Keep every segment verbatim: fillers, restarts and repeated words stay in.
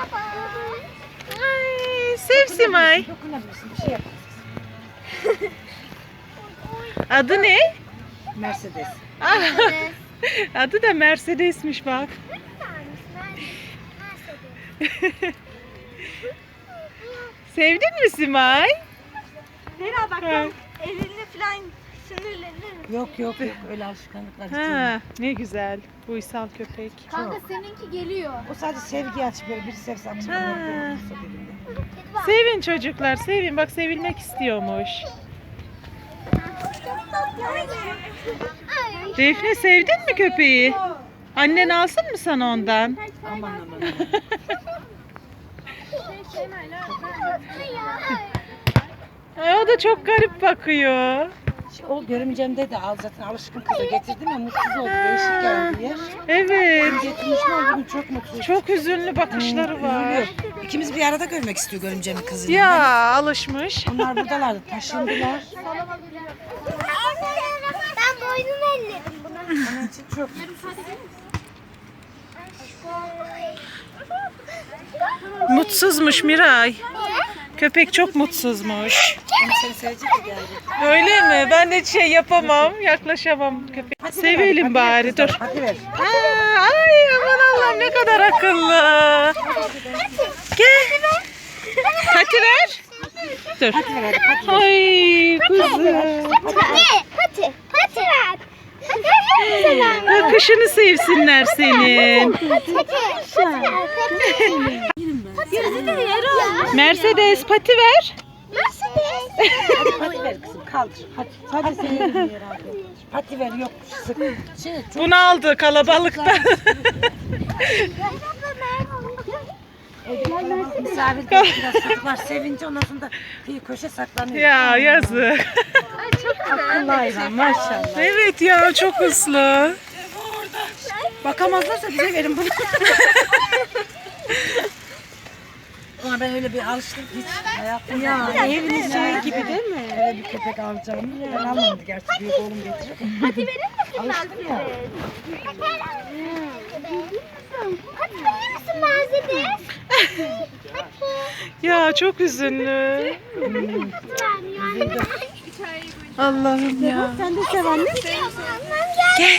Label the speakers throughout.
Speaker 1: Ay, sev Simay. Adı ne?
Speaker 2: Mercedes.
Speaker 1: Ah, adı da Mercedes'miş bak. Sevdin mi Simay?
Speaker 3: Zehra bak tam elini falan sinirlenir.
Speaker 2: Yok yok yok öyle alışkanlıklar hiç yok.
Speaker 1: Ha, ne güzel. Uysal köpek.
Speaker 4: Kanka seninki geliyor.
Speaker 2: O sadece sevgi aç böyle bir sevsem.
Speaker 1: Ha.
Speaker 4: Kedi var.
Speaker 1: Sevin çocuklar, sevin. Bak sevilmek istiyormuş.
Speaker 4: Ay.
Speaker 1: Defne sevdin mi köpeği? Annen alsın mı sana ondan?
Speaker 2: Aman aman.
Speaker 1: Ay, o da çok garip bakıyor.
Speaker 2: O görümcemde de al zaten alışkın kıza getirdim ya mutsuz oldu. Değişik geldi yer.
Speaker 1: Evet.
Speaker 2: Getirmişim ama bugün çok mutsuz.
Speaker 1: Çok hüzünlü bakışları var.
Speaker 2: Üzülüyor. İkimiz bir arada görmek istiyor görümcemin kızını.
Speaker 1: Ya alışmış.
Speaker 2: Onlar buradalardı taşındılar.
Speaker 4: Ben boynumu elledim buna.
Speaker 2: Onun için çok
Speaker 1: Mutsuzmuş Miray. Köpek çok mutsuzmuş.
Speaker 2: Onu seni sevecek de geldi.
Speaker 1: Öyle mi? Ben de şey yapamam, yaklaşamam köpek.
Speaker 2: Hadi ver,
Speaker 1: Sevelim
Speaker 2: hadi
Speaker 1: bari,
Speaker 2: ver
Speaker 1: dur.
Speaker 2: kızım, Hadi ver.
Speaker 1: Aa, ay aman Allah'ım ne kadar akıllı. Gel. Pati ver. Dur.
Speaker 2: Hadi ver hadi hadi.
Speaker 1: Ay kuzum.
Speaker 4: Pati, pati, pati ver. Pati ver.
Speaker 1: Bakışını sevsinler senin.
Speaker 4: Pati, pati ver. Pati ver.
Speaker 1: Mercedes pati ver.
Speaker 4: Mercedes.
Speaker 2: Hadi pati ver kızım kaldır. Hadi. Hadi seni yerim Pati ver yok sık. Şey, çok
Speaker 1: Bunu aldı kalabalıkta.
Speaker 2: misafir biraz saklar sevince ondan sonra da kıyı köşe saklanıyor.
Speaker 1: Ya yazık.
Speaker 2: Akıllı hayvan maşallah.
Speaker 1: Evet ya çok uslu.
Speaker 2: Bakamazlarsa bize verin bunu. Ama ben öyle bir alıştım hiç hayatımda. Ya evin içine gibi değil mi? Öyle bir köpek alacağım. Ben almadım gerçi büyük oğlum getiriyor.
Speaker 4: Pati verir misin
Speaker 2: Alıştım ya.
Speaker 4: Pati verir misin Mercedes?
Speaker 1: Ya çok üzünlü. Allah'ım ya.
Speaker 4: Sen de sev anne.
Speaker 1: Gel.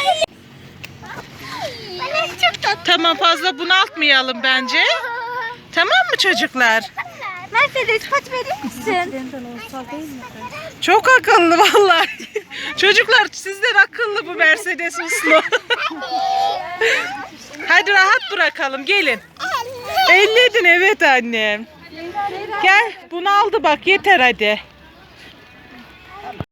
Speaker 4: Bana çok tatlı.
Speaker 1: Tamam fazla bunaltmayalım bence. Tamam mı çocuklar?
Speaker 3: Mercedes pati verir misin?
Speaker 1: Çok akıllı vallahi. Çocuklar sizden akıllı bu Mercedes uslu. Hadi rahat bırakalım gelin. Elledin evet annem. Gel bunu aldı bak yeter hadi.